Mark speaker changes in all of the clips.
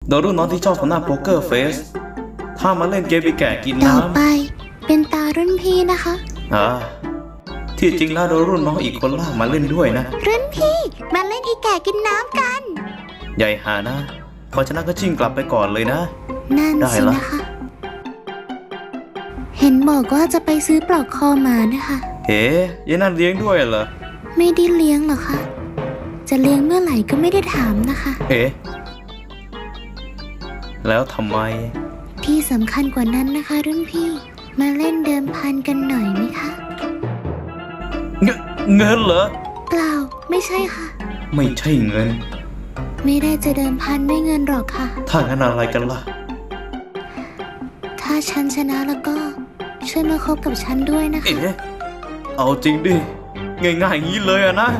Speaker 1: โดยรุ่นน้องที่ชอบทำหน้าโป๊กเกอร์เฟสถ้ามาเล่นเกมไปแก่กิน
Speaker 2: ต่อ
Speaker 1: น้ำ
Speaker 2: ไปเป็นตารุ่นพี่นะคะ
Speaker 1: ที่จริงแล้วโดยรุ่นน้องอีกคนลากมาเล่นด้วยนะ
Speaker 2: รุ่นพี่มาเล่นอีแก่กินน้ำกัน
Speaker 1: ใหญ่หานะพอชนะก็ชิ่งกลับไปก่อนเลยนะ
Speaker 2: นั่น
Speaker 1: ได้
Speaker 2: สิ
Speaker 1: ละ
Speaker 2: นะคะ เห็นบอกว่าจะไปซื้อปลอกคอมานะคะ
Speaker 1: เฮ้ยายนั่นเลี้ยงด้วยเหรอ
Speaker 2: ไม่ได้เลี้ยงหรอกค่ะจะเลี้ยงเมื่อไหร่ก็ไม่ได้ถามนะคะ
Speaker 1: เฮ้แล้วทำไม
Speaker 2: ที่สำคัญกว่านั้นนะคะ รุ่นพี่มาเล่นเดิมพันกันหน่อยไหมคะ
Speaker 1: เงินเหรอ
Speaker 2: เปล่าไม่ใช่ค่ะ
Speaker 1: ไม่ใช่เงิน
Speaker 2: ไม่ได้จะเดิมพันด้วยเงินหรอกค่ะ
Speaker 1: ถ้างั้นอะไรกันล่ะ
Speaker 2: ถ้าฉันชนะแล้วก็ช่วยมาคบกับฉันด้วยนะคะ
Speaker 1: เอ๊ะเอาจริงดิ ง่ายๆอย่างนี้เลยอะนะ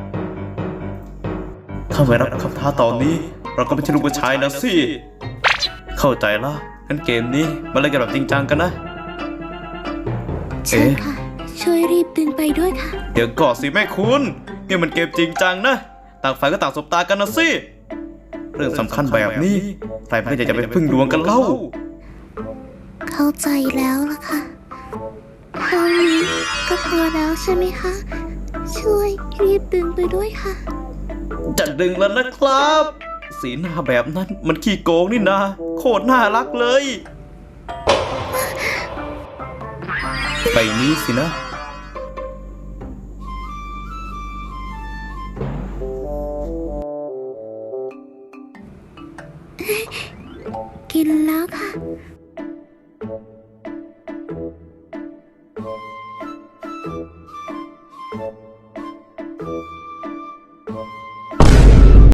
Speaker 1: ถ้าไม่รับคำท้าตอนนี้ เราก็ไม่ใช่ลูกผู้ชายนะสิ เข้าใจละงั้นเกมนี้มาเล่นกันแบบจริงจังกันนะ
Speaker 2: เชิญค่ะ ช่วยรีบดึงไปด้วยค่ะ
Speaker 1: เดี๋ยวก่อนสิแม่คุณนี่มันเกมจริงจังนะ ต่างฝ่ายก็ต่างสบตากันนะสิ เรื่องสำคัญแบบนี้ใครไม่อยากจะไปพึ่งดวงกันเล่า
Speaker 2: เข้าใจแล้วล่ะค่ะเท่านี้ก็พอแล้วใช่ไหมคะ ช่วยรีบดึงไปด้วยค่ะ
Speaker 1: จะดึงแล้วนะครับ สีหน้าแบบนั้นมันขี้โกงนี่นะโคตรน่ารักเลย ไปนี้สินะ
Speaker 2: กินแล้วค่ะ